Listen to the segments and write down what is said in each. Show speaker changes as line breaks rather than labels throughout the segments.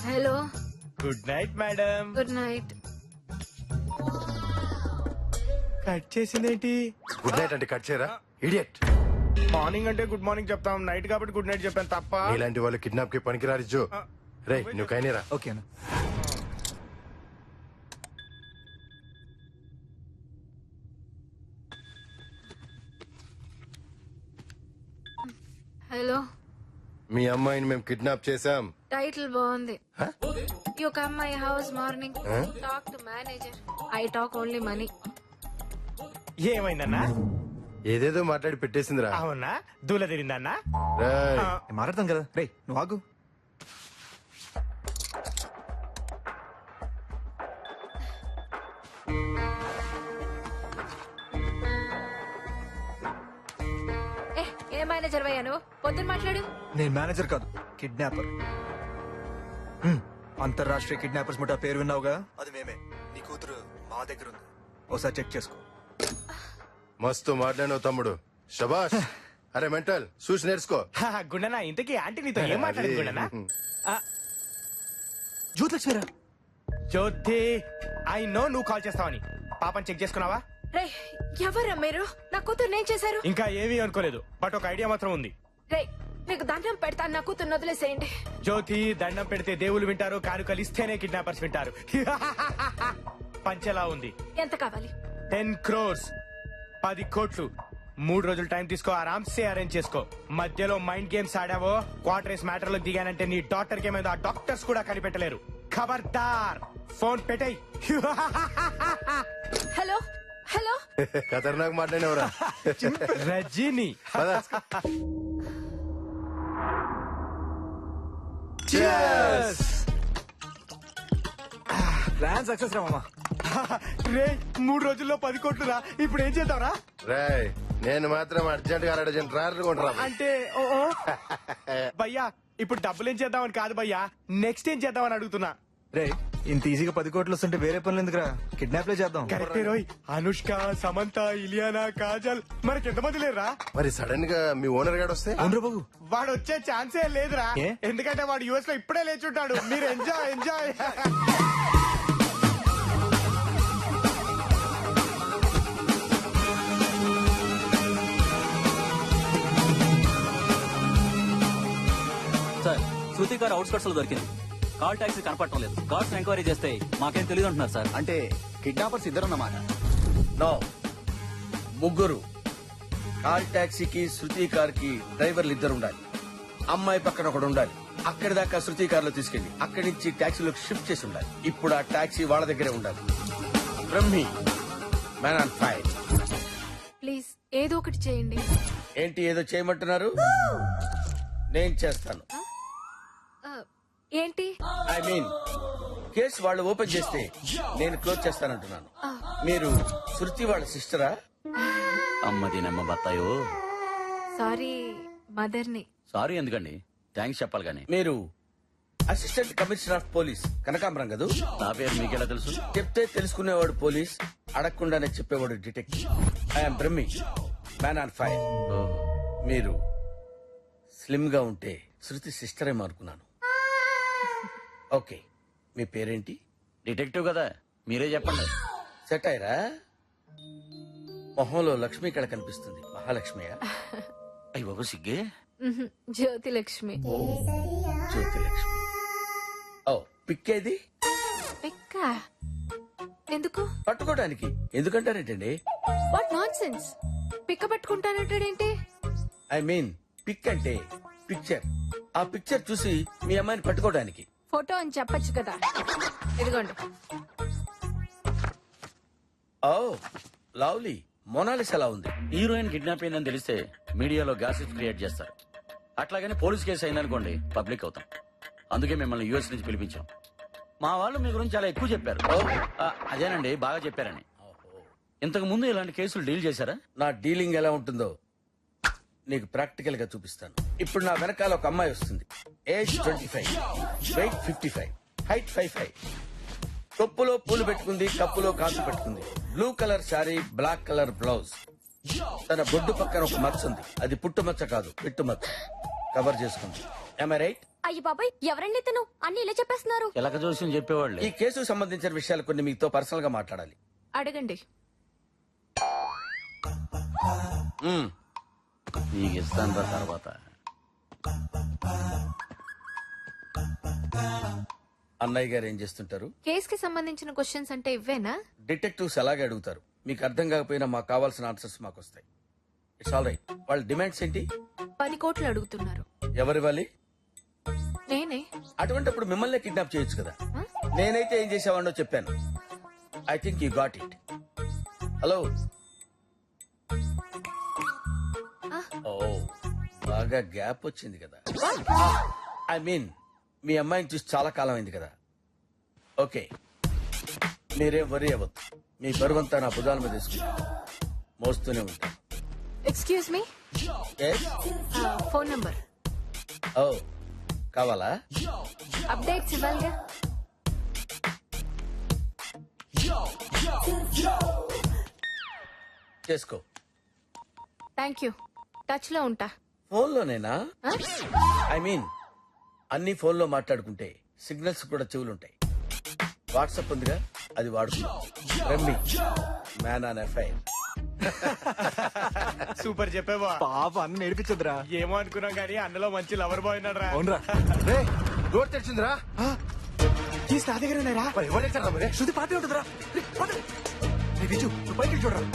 Hello.
Good night madam.
Good night.
Cut చేసిందేంటి?
Good night అంటే cut చేయరా idiot.
Morning అంటే గుడ్ మార్నింగ్ చెప్తాం, నైట్ కాబట్టి గుడ్ నైట్ చెప్పాను తప్ప.
ఇలాంటి వాళ్ళు కిడ్నాప్ కి పనికిరారు జో. రే నువ్వు కైనేరా.
ఓకేనా?
హలో.
మీ అమ్మాయిని మేము కిడ్నాప్ చేశాం.
టైటిల్ బాగుంది. You come my house morning. Talk to manager. I talk only money.
ఏమైందన్నా?
ఏదేదో మాట్లాడి పెట్టేసిందిరా.
అవునా? దూల తిరిందన్నా?
రేయ్,
నేను మాట్లాడతాం కదా. రే నువ్వు ఆగు.
ఏ మేనేజర్ వయ్యా నువ్వు? పొద్దున్న మాట్లాడు.
నేను మేనేజర్ కాదు, కిడ్నాపర్. అంతర్రాష్ట్రీయ కిడ్నాపర్స్ ముఠా పేరు విన్నావుగా, అది మేమే. నీ కూతురు మా దగ్గర ఉంది, ఒకసారి చెక్ చేసుకో.
మస్తు మాట్లాడినావు తమ్ముడు, శబాష్. అరే మెంటల్ చూసి నేర్చుకో.
గుండనా, ఇంతకీ ఆంటీ నీతో ఏం మాట్లాడింది గుండనా?
జ్యోతిలక్ష్మిరా.
జ్యోతి, ఐ నో నువ్వు కాల్ చేస్తావని. పాపని చెక్ చేసుకున్నావా?
రే ఎవరా మీరు? నా కూతురు ఏం చేశారు?
ఇంకా ఏమీ అనుకోలేదు, బట్ ఒక ఐడియా మాత్రం ఉంది.
రే మీకు దండం పెడతాను, నా కూతురు వదిలేసేయండి.
జ్యోతి, దండం పెడితే దేవుళ్ళు వింటారు, కానుకలు ఇస్తేనే కిడ్నాపర్స్ వింటారు. పంచెలా ఉంది.
ఎంత కావాలి?
10 crores, 10 కోట్లు. 3 రోజులు టైం తీసుకో, ఆరామ్సే అరేంజ్ చేసుకో. మధ్యలో మైండ్ గేమ్స్ ఆడావో, క్వార్టర్స్ మ్యాటర్ లో దిగానంటే నీ డాక్టర్ కి ఏమైందో ఆ డాక్టర్స్ కూడా కనిపెట్టలేరు. ఖబర్దార్, ఫోన్ పెట్టేయ్.
Hello hello.
ఖతర్నాక్ మాట్లాడినవరా.
రజనీ.
ప్లాన్ సక్సెస్ రా మామా.
రే 3 రోజుల్లో 10 కోట్లు రా. ఇప్పుడు ఏం చేద్దాంరా?
రాయ్ నేను మాత్రం అర్జెంట్ గా అర్జెంట్ ట్రాక్టర్ కొంటరా.
అంటే భయ్యా, ఇప్పుడు డబ్బులు ఏం చేద్దామని కాదు భయ్యా, నెక్స్ట్ ఏం చేద్దామని అడుగుతున్నా.
రే ఇంత ఈజీగా 10 కోట్లు వస్తుంటే వేరే పనులు ఎందుకురా, కిడ్నాప్లే చేద్దాం.
కరెక్టే రోయ్. అనుష్క, సమంత, ఇలియానా, కాజల్, మనకి ఎంతమంది లేరా?
మరి సడన్ గా మీ ఓనర్ గాడు వస్తే?
అవునరా బాబు.
వాడు వచ్చే ఛాన్సే లేదురా.
ఏ?
ఎందుకంటే వాడు యుఎస్ లో ఇప్పుడే లేచుంటాడు. మీరు ఎంజాయ్ ఎంజాయ్.
సార్, శృతి గారు అవుట్స్కట్స్ లో దొరికింది. కాల్ టాక్సీ కనపడటం లేదు. కార్స్ ఎంక్వైరీ చేస్తే మాకేం తెలియదు అంటున్నారు సార్.
అంటే కిడ్నాపర్స్ ఇద్దరున్నమాట? నో, ముగ్గురు. కార్ టాక్సీకి శృతి కార్ కి డ్రైవర్లు ఇద్దరు ఉండాలి. అమ్మాయి పక్కన ఒకడు ఉండాలి. అక్కడి దాకా శృతి కార్ లో తీసుకెళ్లి అక్కడి నుంచి టాక్సీలోకి షిఫ్ట్ చేసి ఉండాలి. ఇప్పుడు ఆ టాక్సీ వాళ్ళ దగ్గరే ఉండాలి. Brahmi, man on fire.
Please ఏదో ఒకటి చేయండి.
ఏంటి ఏదో చేయమంటున్నారు? నేను చేస్తాను.
ఏంటి?
ఐ మీన్ కేసు వాళ్ళు ఓపెన్ చేస్తే నేను క్లోజ్ చేస్తానంటున్నాను. మీరు శృతి వాళ్ళ సిస్టరా?
అమ్మది నమ్మ బత్తాయో.
సారీ, మదర్ని.
సారీ ఎందుకండి, థ్యాంక్స్ చెప్పాలి కానీ.
మీరు అసిస్టెంట్ కమిషనర్ ఆఫ్ పోలీస్ కనకాంబరం కదూ?
నా పేరు మీకెలా తెలుసు?
చెప్తే తెలుసుకునేవాడు పోలీస్, అడగకుండానే చెప్పేవాడు detective. I'm Brahmi, man on fire. మీరు స్లిమ్ గా ఉంటే శృతి సిస్టరే అనుకున్నాను. ఓకే, మీ పేరేంటి?
డిటెక్టివ్ కదా, మీరే చెప్పండి.
సెట్ అయ్యరా? మొహంలో లక్ష్మి ఇక్కడ కనిపిస్తుంది. మహాలక్ష్మియా?
అయ్యి బాబు సిగ్గే.
జ్యోతి లక్ష్మి.
జ్యోతి లక్ష్మి. ఓ, పిక్కేది?
ఎక్క ఎందుకు?
పట్టుకోవడానికి. ఎందుకంటారేంటండి?
What nonsense. పిక్క పట్టుకుంటానంటాడేంటి?
ఐ మీన్ పిక్ అంటే పిక్చర్. ఆ పిక్చర్ చూసి మీ అమ్మాయిని పట్టుకోవడానికి.
ఫోటో అని చెప్పొచ్చు కదా. ఇదిగోండి.
Oh lovely. మొనాలిస్ ఎలా ఉంది?
హీరోయిన్ కిడ్నాప్ అయిందని తెలిస్తే మీడియాలో గాసిప్ క్రియేట్ చేస్తారు. అట్లాగని పోలీస్ కేసు అయిందనుకోండి, పబ్లిక్ అవుతాం. అందుకే మిమ్మల్ని యూఎస్ నుంచి పిలిపించాం. మా వాళ్ళు మీ గురించి చాలా ఎక్కువ చెప్పారు. అదేనండి, బాగా చెప్పారని. ఇంతకు ముందు ఇలాంటి కేసులు డీల్ చేశారా?
నా డీలింగ్ ఎలా ఉంటుందో నీకు ప్రాక్టికల్ గా చూపిస్తాను. ఇప్పుడు నా వెనకాల ఒక అమ్మాయి వస్తుంది. Age 25, wait 55, height 5'5". తొప్పులో పూలు పెట్టుకుంది, కప్పులో కాసు పెట్టుకుంది. Blue colour sari, black colour blouse. తన బొడ్డు పక్కన ఒక మచ్చ ఉంది. అది పుట్టు మచ్చ కాదు, పిట్టు మచ్చ. కవర్ చేసుకుంది. రైట్?
అయ్యి బాబాయ్ ఎవరండి ఇతను అన్ని ఇలా చెప్పేస్తున్నారు.
చిలక జోస్యం చెప్పేవాళ్ళు
ఈ కేసుకు సంబంధించిన విషయాలు కొన్ని మీతో పర్సనల్ గా మాట్లాడాలి.
అడగండి.
మ్మ్.
నీకు ఇస్తాను రా తర్వాత.
అన్నయ్య గారు ఏం చేస్తుంటారు?
కేస్ కి సంబంధించిన క్వశ్చన్స్ అంటే ఇవ్వేనా?
డిటెక్టివ్స్ అలాగే అడుగుతారు. మీకు అర్థం కాకపోయినా మాకు కావాల్సిన ఆన్సర్స్ మాకు వస్తాయి. It's all right. వాళ్ళ డిమాండ్స్ ఏంటి?
10 కోట్లు అడుగుతున్నారు.
ఎవరివ్వాలి?
నేనే.
అటువంటిప్పుడు మిమ్మల్ని కిడ్నాప్ చేయొచ్చు కదా.
Huh?
నేనైతే ఏం చేసేవాడినో చెప్పాను. I think you got it. Hello. ఓ బాగా గ్యాప్ వచ్చింది కదా. ఐ మీన్ మీ అమ్మాయిని చూసి చాలా కాలం అయింది కదా. ఓకే, మీరేం వరి అవ్వద్దు. మీ బరువంతా నా భుజాల మీద తీసుకుంటా మోస్తూనే ఉంటాను.
Excuse me,
Yes?
Phone number.
ఓ కావాలా?
అప్డేట్స్ ఇవ్వాలిగా.
చేసుకో.
Thank you. టచ్ లో ఉంటా.
ఫోన్లోనేనా?
Huh?
ఐ మీన్ అన్ని ఫోన్లో మాట్లాడుకుంటే సిగ్నల్స్ కూడా చెవులుంటాయి. వాట్సాప్ ఉందిగా, అది వాడుకో. రమ్మి మ్యాన్ ఆన్ ఎఫ్ఐఆర్.
సూపర్ చెప్పేవా.
పాప అన్న నేర్పించదురా.
ఏమో అనుకున్నాం కానీ అన్నలో మంచి లవర్ బాయ్ ఉన్నాడు రా.
అవునరా?
రే డోర్ తెరిచిందిరా.
కీస్ నా దగ్గర ఉన్నారా?
మరి ఎవరు తెచ్చారా మరి?
శృతి పాటే ఉంటుందిరా. రే, పద. రే, విజు నువ్వు పైకి వెళ్ళి చూడరా.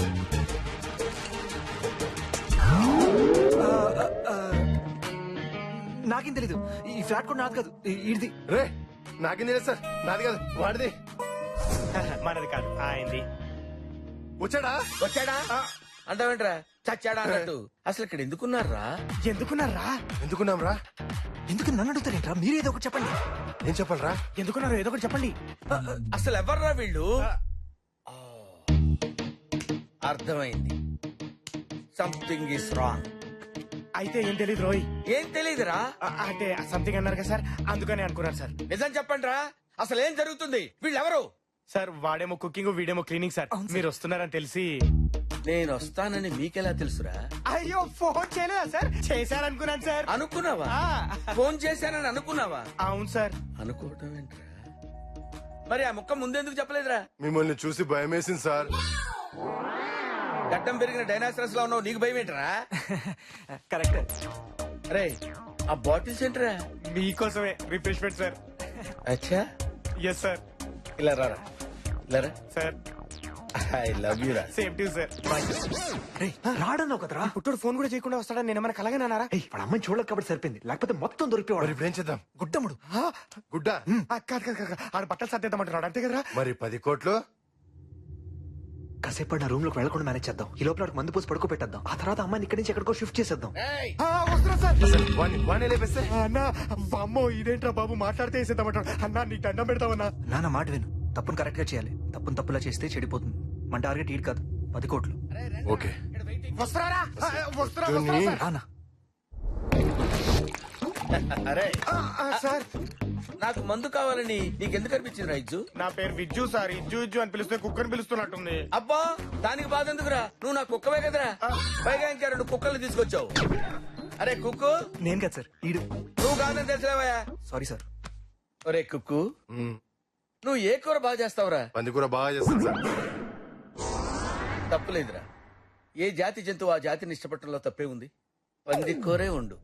నాకేం తెలీదు. ఈ ఫ్లాట్ కూడా నాది కాదు, ఇది.
రే నాకేం తెలియదు సార్, నాది కాదు వాడిది.
మనది కాదు ఆయనది.
వచ్చాడా?
వచ్చాడా అంటావేంట్రా? చచ్చాడా అన్నట్టు. అసలు ఇక్కడ ఎందుకున్నారా?
ఎందుకున్నారా?
ఎందుకున్నాం రా?
ఎందుకు నన్ను అడుగుతారేంట్రా? మీరేదో ఒకటి చెప్పండి.
ఏం చెప్పాలరా?
ఎందుకున్నారు ఏదో ఒకటి చెప్పండి.
అసలు ఎవర్రా వీళ్ళు? ఆ, అర్థమైంది. Something is wrong.
అయితే ఏం తెలియదు రోయ్.
ఏం తెలీదురా?
అంటే సంథింగ్ అన్నారు కదా సార్, అందుకని అనుకున్నాను సార్.
నిజం చెప్పండి రా, అసలు ఏం జరుగుతుంది? వీళ్ళెవరు?
సార్ వాడేమో కుకింగ్ వీడేమో క్లీనింగ్ సార్. మీరు వస్తున్నారని తెలిసి.
నేను వస్తానని మీకెలా తెలుసురా?
అయ్యో ఫోన్ చేయలేదా సార్? చేశారనుకున్నాను సార్.
అనుకున్నావా?
ఆ.
ఫోన్ చేశానని అనుకున్నావా?
అవును సార్.
అనుకోవటం ఏంట్రా? మరి ఆ ముక్క ముందెందుకు చెప్పలేదురా?
మిమ్మల్ని చూసి భయం వేసింది సార్.
గడ్డం పెరిగిన డైనాసరస్ లా ఉన్నావు, నీకు భయం ఏంట్రా?
కరెక్ట్.
అరే ఆ బాటిల్స్ ఏంట్రా?
మీకోసమే రిఫ్రెష్మెంట్ సార్.
అచ్చా,
ఎస్ సార్.
ఇలా రారా, ఇలా రా.
సార్
ఐ లవ్ యూ రా.
Same to sir.
రే, రాడన్నావు కదరా.
పుట్టుడు ఫోన్ కూడా చేయకుండా వస్తాడని నేను ఏమైనా కలగనన్నారా?
ఏయ్, వాడు అమ్మాయిని చూడలేదు కాబట్టి సరిపోయింది, లేకపోతే మొత్తం
మరి
దొరికిపోవాడు.
ఇప్పుడు ఏం చేద్దాం?
గుడ్డముడు.
గుడ్డ?
కాదు కాదు కాదు, ఆడ బట్టలు సర్దేద్దామంటున్నాడు అంతే కదరా?
మరి 10 కోట్లు?
కాసేపు నా రూమ్ లోకి వెళ్ళకుండా మేనేజ్ చేద్దాం. ఈ లోపల వాడికి మందు పోసి పడుకో పెట్టేద్దాం. ఆ తర్వాత అమ్మాయిని ఇక్కడి నుంచి ఎక్కడికో షిఫ్ట్ చేసేద్దాం.
ఏయ్,
వస్తున్నా సార్.
వాణ్ణి లేపేస్తే?
అన్నా అమ్మో ఇదేంట్రా బాబు మాట్లాడితే వేసేద్దామంటాడు. అన్నా నీకు దండం పెడతావన్నా.
నాన్న మాట విను. తప్పును కరెక్ట్ గా చేయాలి. తప్పును తప్పులా చేస్తే చెడిపోతుంది. మన టార్గెట్ ఈడు కాదు, 10 కోట్లు.
ఓకే.
వస్తున్నారా? వస్తున్నా
జూని.
రానా?
అరే
సార్.
నాకు మందు కావాలని నీకెందుకు అనిపించింది రైజు?
నా పేరు విజ్జు సార్. ఇజ్జు ఇజ్జు అని పిలిస్తే కుక్కని పిలుస్తున్నట్టుంది.
అబ్బా దానికి బాధ ఎందుకురా? నువ్వు నా కుక్కవే కదరా. పైగా ఇంకా 2 కుక్కల్ని తీసుకొచ్చావు. అరే కుక్కు,
నేను కాదు సార్, ఈడు.
నువ్వు కాదని తెలిసిలేవయా?
Sorry sir.
ఒరే కుక్కు, నువ్వు ఏ కూర బాగా చేస్తావురా?
పందికూర బాగా చేస్తుంది సార్.
తప్పులేదురా. ఏ జాతి జంతువు ఆ జాతిని ఇష్టపడటంలో తప్పే ఉంది. పంది కూరే ఉండు.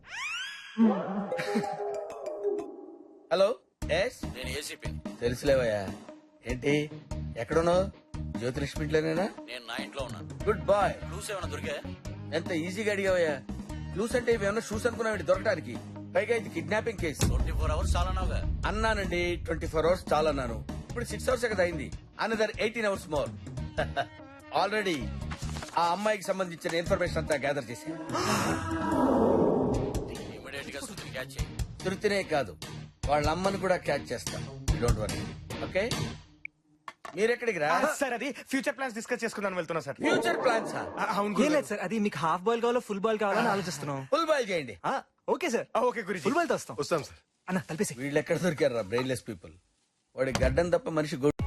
హలో, ఎస్
నేను ఏసీపీ.
తెలుసులేవయ్యా. ఏంటి ఎక్కడున్నావు? జ్యోతిలక్ష్మిట్లోనేనా?
నేను నా ఇంట్లో ఉన్నాను.
Good bye.
క్లూస్ ఏమైనా దొరికా?
ఎంత ఈజీగా అడిగావయ్యా. క్లూస్ అంటే ఇవేమన్నా షూస్ అనుకున్నావు దొరకడానికి? పైగా ఇది కిడ్నాపింగ్ కేసు.
24 hours చాలన్నావుగా.
అన్నానండి, 24 అవర్స్ చాలన్నాను. ఇప్పుడు 6 అవర్స్ కదా అయింది. Another 18 hours more. ఆల్రెడీ ఆ అమ్మాయికి సంబంధించిన ఇన్ఫర్మేషన్ అంతా గ్యాదర్ చేశాను.
ఇమీడియట్ గా శృతిని క్యాచ్ చేయి.
తృప్తినే కాదు, వాళ్ళ అమ్మని కూడా క్యాచ్ చేస్తాను. Don't worry. ఓకే, మీరెక్కడికి రా?
సార్ అది ఫ్యూచర్ ప్లాన్స్ డిస్కస్ చేసుకుందాం వెళ్తున్నా సార్.
Future plans.
అవును
ఏం
గురు.
లేదు సార్, అది మీకు హాఫ్ బాల్ కావాలో ఫుల్ బాల్ కావాలని ఆలోచిస్తున్నాం.
ఫుల్ బాయ్ చేయండి.
ఓకే సార్,
ఓకే గురించి.
ఫుల్ బాల్ తో వస్తాం.
వస్తాం సార్.
అన్న తలిపేసి.
వీళ్ళు ఎక్కడ దొరికారా బ్రెయిన్లెస్ పీపుల్? వాడి గడ్డం తప్ప మనిషి